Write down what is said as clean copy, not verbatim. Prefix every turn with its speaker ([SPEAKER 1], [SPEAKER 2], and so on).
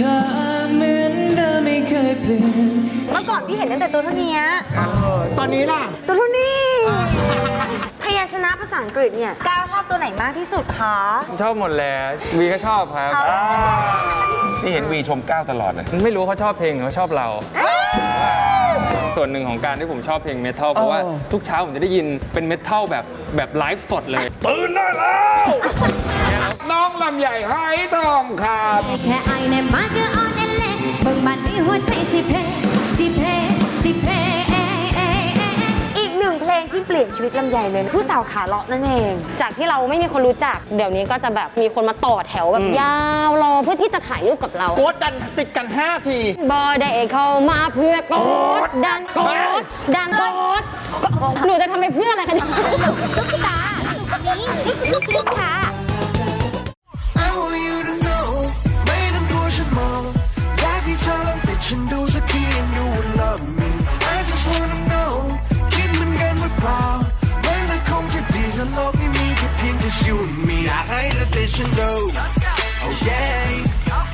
[SPEAKER 1] อเหมือนเดิมไม่เคยเปลี่ยน
[SPEAKER 2] เมื่อก่อนพี่เห็นตั้งแต่ตัวเท่านี้
[SPEAKER 3] ตอนนี้ล่ะ
[SPEAKER 2] ตัวเท่านี้พยัญชนะภาษาอังกฤษเนี่ยก้าวชอบตัวไหนมากที่สุดคะ
[SPEAKER 4] ชอบหมดแหละวีก็ชอบครับ
[SPEAKER 5] นี่เห็นวีชมก้าวตลอดเลย
[SPEAKER 4] ไม่รู้เขาชอบเพลงหรือเขาชอบเรา ส่วนหนึ่งของการที่ผมชอบเพลงเมทัลเพราะว่าทุกเช้าผมจะได้ยินเป็นเมทัลแบบไลฟ์สดเลย ตื่นได้แล้วน้องลำใหญ่ไฮทองครับ
[SPEAKER 6] แค่ไอในมาก็อ่อนเล็กเบิ่งบันนี้หัวใจสิเพสิเพสิเพ
[SPEAKER 2] อีกหนึ่งเพลงที่เปลี่ยนชีวิตลำไยเลยผู้สาวขาเลาะนั่นเอง
[SPEAKER 7] จากที่เราไม่มีคนรู้จักเดี๋ยวนี้ก็จะแบบมีคนมาต่อแถวแบบยาวรอเพื่อที่จะถ่ายรูปกับเรา
[SPEAKER 3] โกดดันติดกัน 5 ที
[SPEAKER 7] บอได้เข้ามาเพื่อกดดันกดดันกดหนูจะทำไปเพื่ออะไรกัน
[SPEAKER 2] ซุปตาซุปตา
[SPEAKER 1] I want you to know ไม่ต้องกลัวฉันมองอยากให้เธอลองติดฉันดูสักที and you will love me I just wanna know คิดเหมือนกันหรือเปล่ามันจะคงจะดีถ้าโลกนี้มีแค่เพียงแค่ you and me อยากให้เธอติดฉันดู oh yeah